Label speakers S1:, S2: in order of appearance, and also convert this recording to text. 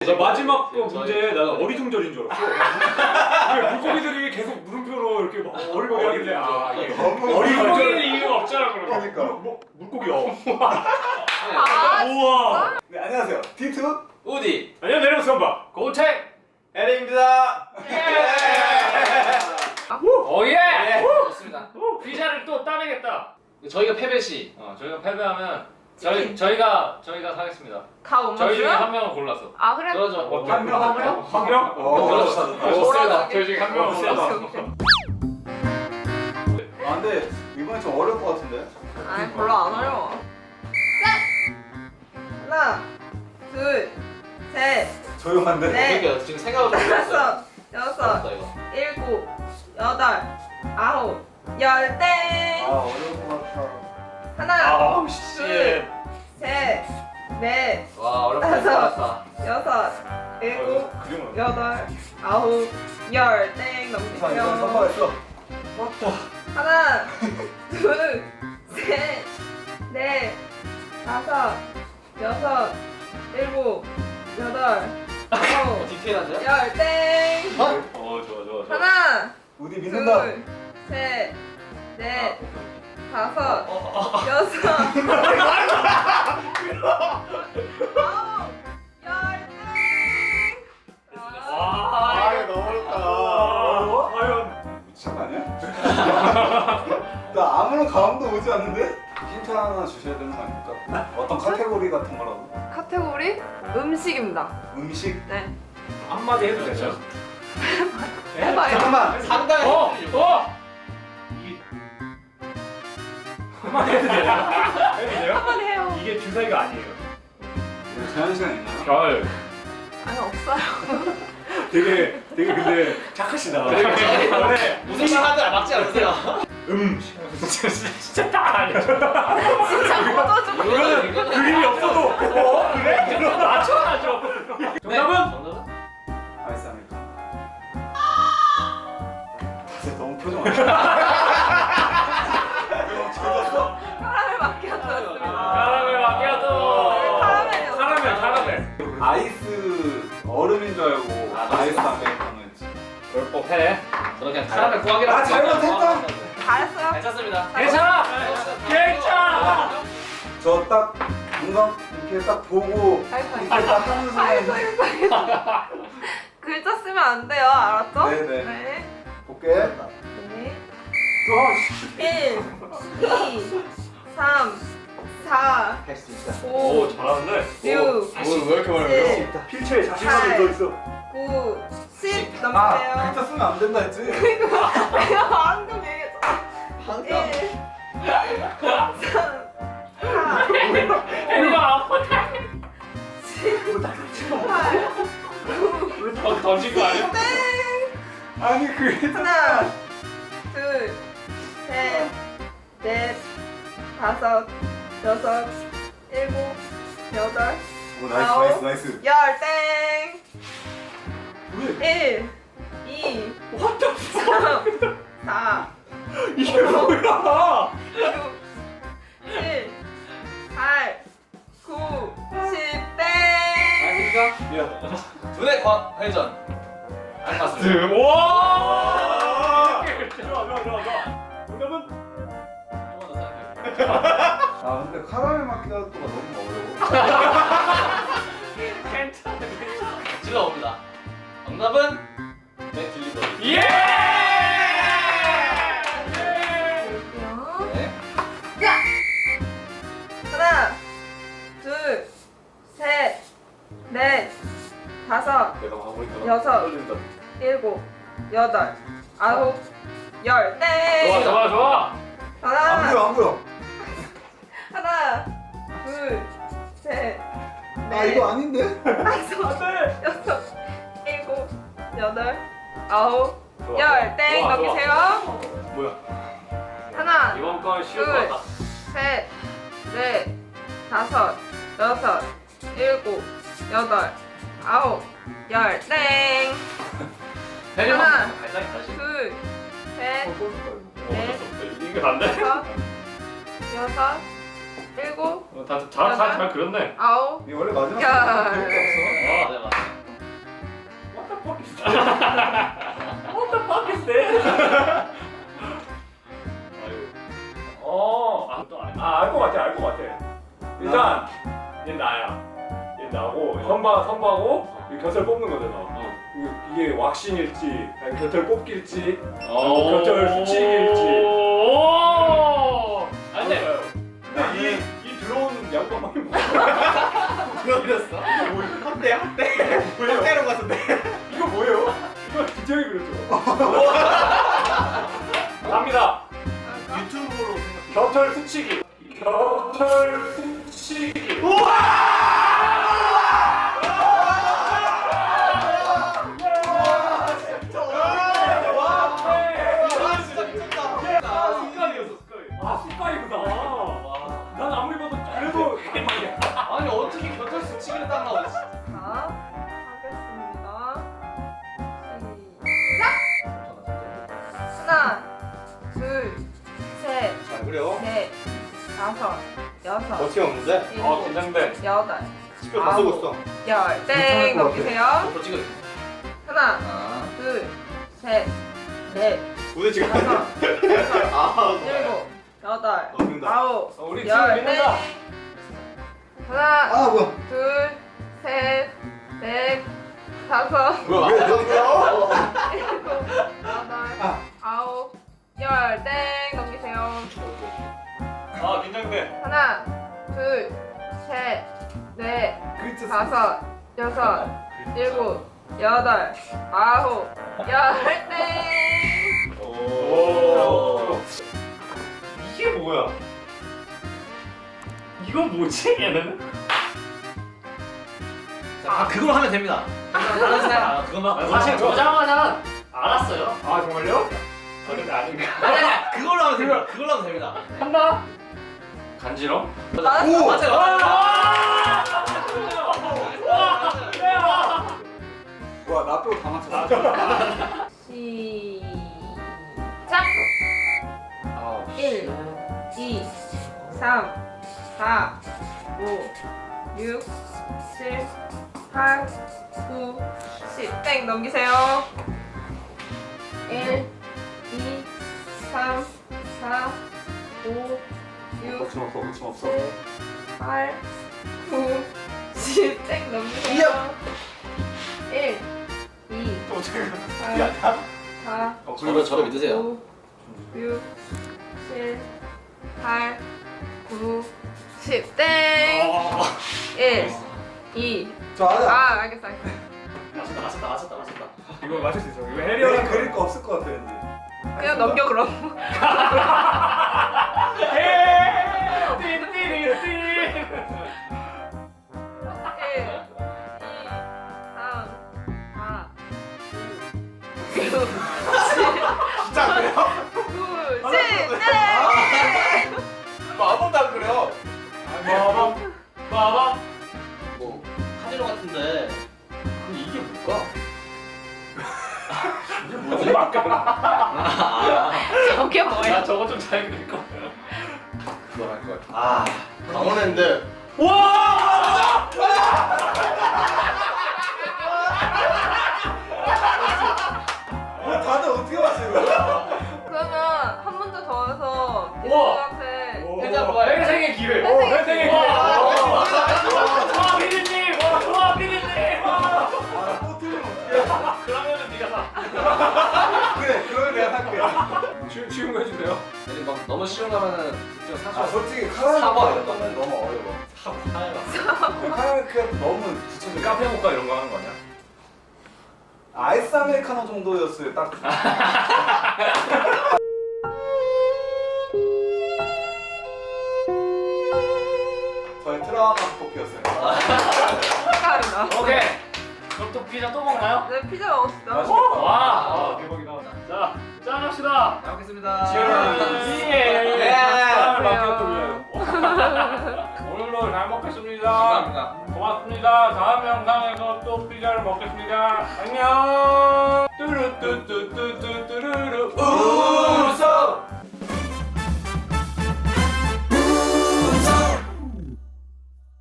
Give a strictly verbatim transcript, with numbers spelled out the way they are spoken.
S1: 나 마지막 거 문제 나 어리둥절인 줄 알았어. 왜 물고기들이 계속 물음표로 이렇게 막 어리버리 하길래 아 이게 어리둥절 이유가 없잖아 그러면.
S2: 그러니까.
S1: 뭐 물고기요.
S3: 아,
S1: 우와.
S2: 네, 안녕하세요. 디투
S4: 우디.
S1: 안녕 내려오선바 고책.
S2: 에릭입니다.
S1: 오예.
S4: 좋습니다.
S1: 피자를 또 따내겠다.
S4: 저희가 패배 시
S1: 어 저희가 패배하면 저희
S3: 치킨.
S1: 저희가 저희가 사겠습니다.
S3: 가 엄마
S1: 저희 중에
S3: 줘요?
S1: 한 명을 골라서.
S3: 아 그래?
S4: 그러죠.
S2: 한 명, 한 명?
S1: 한 명?
S2: 어,
S4: 그렇죠.
S2: 어,
S4: 좋습니다.
S1: 저희 중에 한 명을
S2: 어,
S1: 골라서.
S3: 오케이, 오케이.
S2: 아 근데 이번에 좀 어려울 것 같은데.
S3: 아니 별로 안 어려워. 셋! 하나, 둘, 셋,
S2: 조용한데.
S3: 네.
S4: 그러니까 지금 생각을 좀 해봤어요.
S3: 다섯, 여섯,
S4: 어렵다 이거.
S3: 일곱, 여덟, 아홉, 열 땡!
S2: 아 어려울 것 같아.
S3: 하나,
S1: 아우
S3: 둘,
S1: 씨.
S3: 셋, 넷,
S4: 와 어렵다.
S3: 다섯.
S4: 어렵다.
S3: 여섯, 일곱,
S1: 그림은
S3: 여덟, 아홉, 열 땡!
S2: 이상 이건
S3: 넘기세요.
S2: 성공했어.
S3: 하나, 둘, 셋, 넷, 다섯, 여섯, 일곱, 여덟, 아홉,
S4: 디테일한데요?
S3: 열 땡!
S1: 어 좋아 좋아 좋아.
S3: 하나,
S2: 우디 믿는다.
S3: 둘, 셋, 넷,
S4: 아,
S3: 다섯,
S4: 어,
S3: 여섯, 아홉, 열 땡!
S1: 와.
S2: 이거 너무 어렵다.
S1: 아, 과연.
S2: 미친 거 아니야? 나 아무런 감도 오지 않는데? 힌트 하나 주셔야 되는 거 아닙니까? 어떤 카테고리 같은 거라도.
S3: 카테고리 음식입니다.
S2: 음식.
S3: 네.
S1: 한마디 해도 되죠?
S3: 해봐요.
S2: 잠깐만.
S4: 상당히
S1: 어!
S4: 힘들죠.
S1: 어! 이게 한마디 해도 돼요? 해도 돼요?
S3: 한번 해요.
S1: 이게 주사위가 아니에요.
S2: 제한 시간 있나요?
S1: 별.
S3: 아니 없어요.
S1: 되게 되게 근데 착하시다.
S4: 네. 무슨 말 하든 막지 않으세요.
S1: 음. 진짜 딱 아니야.
S3: 진짜 묻어줘.
S4: 이거는 이거는
S1: 그림이 없어도 어 그래? 그럼 맞춰야죠. 정답은
S4: 정답은?
S2: 아이스 아메리카노. 다들 너무 표정 안 좋아.
S3: 카라멜 마키아토였습니다.
S1: 카라멜 마키아토.
S3: 카라멜이었어요.
S1: 카라멜 카라멜.
S2: 아이스 얼음인 줄 알고
S4: 아,
S2: 아이스 아메리카노였지.
S1: 그럴 법해.
S4: 저는 그냥 카라멜 구하기라고.
S2: 아, 잘못했다.
S3: 잘했어요.
S4: 괜찮습니다.
S1: 괜찮아. 괜찮아.
S2: 저 딱 뭔가 이렇게 딱 보고
S3: 아이고,
S2: 이렇게 딱 하는
S3: 아이고,
S2: 순간
S3: 아이고, 아이고. 글자 쓰면 안 돼요. 알았죠?
S2: 네네.
S3: 네.
S2: 볼게.
S3: 네. 일, 이, 삼, 사,
S4: 할 수 있다.
S3: 오,
S1: 오 잘하는데.
S3: 육,
S4: 왜 이렇게
S3: 칠,
S1: 필체에 자신감이 더 있어.
S3: 구, 십
S2: 아,
S3: 넘기세요.
S2: 글자 쓰면 안 된다 했지?
S3: 내가 방금 얘기했잖아.
S4: 방금.
S3: 일, 삼, 사,
S1: 애가 아파.
S3: 십, 팔, 구,
S1: 던- 던진 거 아니야?
S3: 땡!
S2: 아니 그게
S3: 하나, 둘, 셋, 넷, 다섯, 여섯, 일곱, 여덟,
S2: 오 나이스
S3: 아홉.
S2: 나이스 나이스.
S3: 열 땡!
S2: 왜?
S3: 일, 이,
S1: What the fuck?
S3: 삼, 사,
S1: 이게 뭐야?
S3: 육, 칠, 팔, 구, 십 땡!
S4: 아닙니까?
S2: 미안.
S4: 두뇌 과 회전. 안 맞습니다.
S1: 와! 좋아 좋아 좋아 좋아. 정답은
S4: 한번 더 생각해볼게요.
S2: 아 근데 카라멜 마키아토가 너무 어려워.
S1: 괜찮아.
S4: 질러봅니다. 정답은 맥딜리버리.
S1: 예!
S3: 볼게요.
S4: 네.
S3: 하나, 둘, 셋, 넷, 다섯,
S1: 내가 마무리가
S3: 여섯.
S1: 떨린다.
S3: 일곱, 여덟, 아홉, 열 땡!
S1: 좋아 좋아 좋아.
S2: 안
S3: 하나,
S2: 보여 안 보여.
S3: 하나, 둘, 셋,
S2: 아
S3: 넷,
S2: 이거 아닌데?
S3: 다섯,
S1: 안돼.
S3: 여섯, 일곱, 여덟, 아홉,
S1: 좋아,
S3: 열 땡!
S1: 좋아, 좋아.
S3: 넘기세요.
S1: 뭐야?
S3: 하나,
S1: 이번 건 쉬울 것
S3: 둘,
S1: 같다.
S3: 셋, 넷, 다섯, 여섯, 일곱, 여덟, 아홉, 열 땡!
S4: 배려만
S3: 하나.
S4: 발상이 다시.
S3: 둘, 셋,
S1: 어, 어쩔 수 없다. 이게 안 돼?
S3: 다섯, 여섯, 일곱,
S1: 어, 다잘 잘 그렸네.
S3: 아홉,
S2: 이게 원래 마지막
S3: 야.
S2: 거 없어.
S4: 아, 네 맞아요.
S1: What the fuck is this? 어, 아, 또 안 해. 아, 알 것 같아, 알 것 같아. 일단, 얘 나야. 얘 나고, 선바, 선바고, 이 곁을 뽑는 거잖아.
S4: 어.
S1: 이게- 이게 왁싱일지, 아니 곁을 뽑길지,
S4: 어.
S1: 곁을 수치기일지.
S4: 오. 아니 근데
S1: 근데 이, 이 들어온 양반이 뭐야?
S2: 그렸어? 한대 한대 한대로 같은데.
S1: 이거 뭐예요? 이거 기재형이 그렸죠? 갑니다.
S2: 유튜브로 생각.
S1: 곁을 스치기. 곁을 스치기.
S4: 습관이었어 습관이.
S1: 아, 습관이구나. 난 아무리 봐도 그래도
S4: 아니 어떻게 곁을 스치기를 딱 나오지?
S3: 자, 하겠습니다. 시작! 하나, 둘, 셋,
S2: 잘 그려.
S3: 넷, 다섯, 여섯,
S2: 어떻게 없는데?
S3: 일곱,
S1: 어, 긴장돼.
S3: 여덟,
S2: 집에 다 쓰고 있어.
S3: 열. 땡!
S2: 괜찮을 것
S3: 넘기세요.
S4: 앞으로 찍어.
S3: 하나,
S4: 아.
S3: 둘, 셋, 넷,
S2: 우리 지금
S3: 다섯, 여섯,
S2: 아
S3: 일곱, 여덟,
S2: 넘긴다.
S3: 아홉,
S1: 어, 우리 팀
S3: 열.
S1: 믿는다.
S3: 땡! 하나,
S2: 아 뭐야?
S3: 둘, 셋, 넷, 다섯,
S2: 뭐야? 왜 넘겨?
S3: 일곱, 여덟, 아홉, 열. 땡! 넘기세요.
S1: 아, 긴장돼.
S3: 하나, 둘, 셋, 넷,
S2: 글자
S3: 다섯, 여섯, 일곱, 여덟, 아홉, 열. 땡!
S1: 오.
S4: 이게 뭐야? 이거 뭐지 얘는? 아 그걸 하면 됩니다. 다른 사람 아, 그거만 사실 저장하면 알았어요.
S1: 아, 정말요? 저는 아닌가.
S4: 아니 아니 그걸로 하면 됩니다. 그걸로 하면 됩니다.
S1: 한다.
S4: 간지럼?
S3: 맞았어.
S2: 오!
S4: 맞아요.
S2: 와, 나 빼고 다 맞췄어.
S3: 시작! 일, 이, 삼, 사, 오, 육, 칠, 팔, 구, 십. 땡! 넘기세요. 일, 이, 삼, 사, 오, 육,
S2: 거침없어, 거침없어.
S3: 칠, 팔, 구, 십. 땡! 넘기세요. 일, 이, 삼, 사,
S4: 저를 저를 믿으세요.
S3: 오, 육, 칠, 팔, 구, 십. 땡! 일, 이.
S2: 저 하자.
S3: 아, 알겠어, 알겠어.
S4: 맞췄다 맞췄다 맞췄다 맞췄다.
S1: 이거 맞출 수 있어. 이거
S2: 내가
S1: 해리어랑
S2: 그릴 거 없을 것 같아, 왠지.
S3: 그냥 넘겨, 그럼.
S1: 띠띠리띠.
S3: 일, 이, 삼, 사, 오, 육,
S2: 진짜 안 그래요?
S3: 구, 십. 땡!
S2: 아무도 안 그래요.
S1: 마밤. 마밤.
S4: 뭐 카지노 같은데. 근데 이게 뭘까?
S1: 이게 뭐지? 막가라.
S4: 아,
S3: 저게 뭐야?
S1: 나 저거 좀 잘 그릴 거.
S2: 그걸 할 거야.
S4: 아 강원랜드.
S1: 와!
S2: 어, 다들 어떻게 맞춰 이거?
S3: 그러면 한 문제 더 해서
S1: 우와.
S3: 이분한테
S4: 회장 뭐야?
S1: 회생의 기회.
S3: 회생의
S1: 회생의 기회.
S4: 와.
S1: 와, 피디님. 와, 피디님. 와.
S2: 아, 또 틀리면 어떡해.
S1: 그러면은 네가 사.
S2: 그래, 그러면 내가 살게.
S1: 쉬운 쉬운 거 해주세요.
S4: 아니 막 너무 쉬운 거면은 진짜 사줘.
S2: 아, 솔직히 카라멜
S4: 사과
S2: 이런
S4: 이런
S2: 거는 너무 어려워.
S4: 사과.
S2: 카라멜 크랩 너무 붙여져.
S1: 카페 모카 이런 거 하는 거 아니야?
S2: 아이스 아메리카노 정도였어요, 딱. 저희 트라우마 스토피였어요.
S3: 축하합니다.
S4: 오케이. 그럼 또 피자 또 먹나요?
S3: 네, 피자 먹읍시다.
S2: 맛있겠다.
S1: 와, 아, 대박이다. 자, 짠 합시다.
S4: 잘 먹겠습니다.
S1: 치얼스.
S4: 예.
S1: 예. 짠을
S3: 안녕하세요.
S1: 맡겼군요. 오늘도 잘 먹겠습니다.
S4: 감사합니다.
S1: 고맙습니다. 다음 영상에서 또 피자를 먹겠습니다. 안녕. 뚜루뚜뚜뚜뚜뚜루루.
S2: 웃어!